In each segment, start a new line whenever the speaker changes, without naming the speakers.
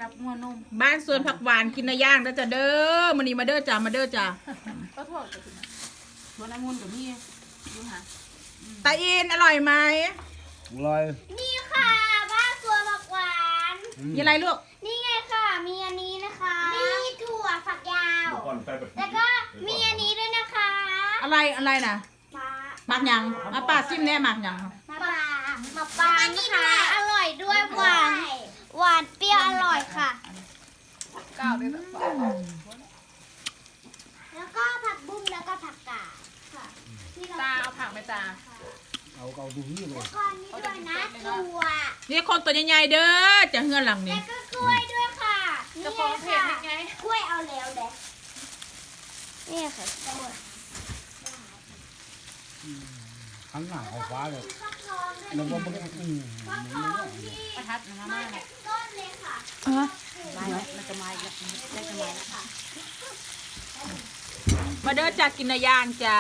กับงัวนม
บ้านสวนผักหวานกินในย่างแล้วจะเด้อมันนี่มาเด้อจ้ามาเด้อจ้า
ก็ทอดกับกินสวนองุ่นกับนี่ดูหา
ตาอินอร่อยไหม
อร่อย
นี่ค่ะบ้านสวนผักหวาน
มีอะไรลูก
นี่ไงค่ะมีอันนี้นะคะมีถั่วฝักยาวแล้วก็มีอันนี้ด้วยนะคะ
อะไรนะหมักยังป้าซิมแน่หมักยัง
มะปรางนะคะอร่อยด้วยหวานเปรี้ยวอร่อยค่ะ
ก้าวด้วยแบบ
แล้วก็ผักบุ้งแล้วก็ผักกาดค่ะ
ตาเอาผักไหมตา
เอาดูนี่เลย
แล้วก็นี่ด้วยนะถั่ว
นี่คนตัวใหญ่ๆเด้อจะเฮือนหลังนี้
แล้วก็กล้วยด้วยค่ะ
จะฟ้องเพจยังไง
กล้วยเอาแล้วเด็กนี่ค่ะกล้วย
ข้างหน้าไฟฟ้าเลย
แล้วก็
ประทัดนะมากเลย
ต้นเลยค่ะ
มันจะมาอีกแล้วจะมาแล้วค่ะ
มาเด้อจ้ากินในย่างจ้า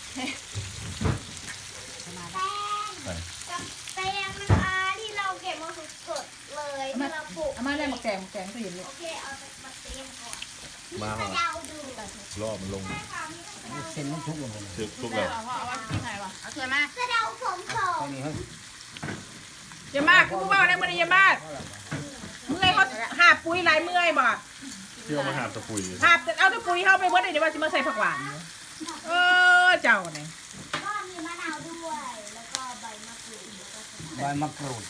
แตงนะคะที่เราเก็บมาสดๆเลยที่เราปลูก
มาได้มาแกงก็เห็นเลย
โอเคเอามาเตรียมก่อน
มาเหรอรอบมันลง
เส้นมันทุกลงเลย
ทุกแล้ว
เอาว่าที่ไหนวะเอาเถื่อนมา
สะเดาผมสอง
อย่ามากกูบอกนะมันอย่ามากเมื่อยเขาหาปุ๋ยหลายเมื่อยบ่
เที่ยวมาหาตะปุย
หาเอาตะปุ๋ยเข้าไปวัดเดี๋ยวว่าจะมาใส่ผักหวานเจ้าเนี่ย
ก็มีมะนาวด้วยแล้วก็ใบมะกรูด
ใบมะกรูด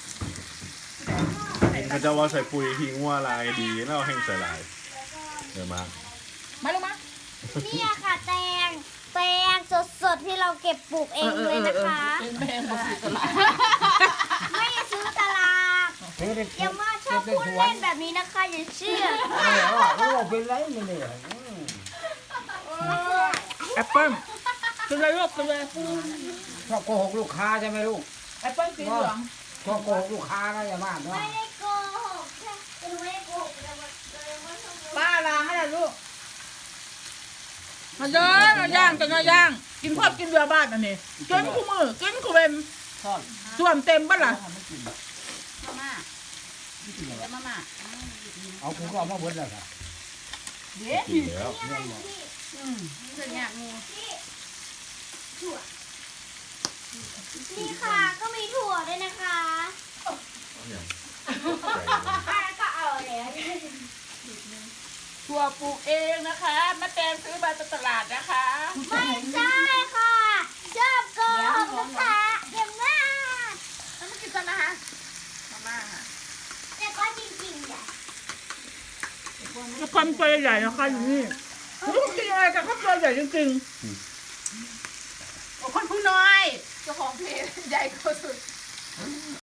เขาจะว่าใส่ปุ๋ยทิ้งว่าลายดีแล้วแห้งใส่ลายเดี๋ยวมา
มาลูกมา
นี่ค่ะแตงสดๆที่เราเก็บปลูกเองเลยนะคะไม่ซื้อตลาดอย่ามาชอบพูดเล่นแบบนี้นะคะอย่าเชื่อ
เราเป็นไรไม่เลย
แอปเปิ้ลกินเลยลูกกินเลย
ชอบโกหกลูกค้าใช่ไหมลูก
แอปเปิ้ลสีเหลือง
ชอบโกหกลูกค้านะอย่ามา
ไม่ได้โกหกแค่ไม่ได้โกหก
ป้าล้างให้ลูกมาเด้อมาย่างกันมาย่างกินพอดกินเรือบ้านอันนี้กินคู่มือกินคู่เป็นส่วนเต็มบ้านล่ะ
มาแล้วมา
เอาคุณก็เอามาเบิ้ลเลยค่ะ
เดี๋ยว
กินแล้ว
เถื่อนอยากงู
นี่ค่ะก็มีถั่วด้วยนะคะก็เอาแล้ว
ถั่วปลูกเองนะคะมาแตงซื้อมาจากตลาดนะคะ
ไม่ใช่ค่ะชอบโกหกนะคะเก่งมาก
แล้วมากินกันนะคะมาค่ะ
แต่ก็จริงๆเนี่ย
ความตัวใหญ่นะคะอยู่นี่ลูกกินอะไรกับข้าวตัวใหญ่จริงๆคนผู้น้อย
เจ้าของเพจใหญ่กว่าสุด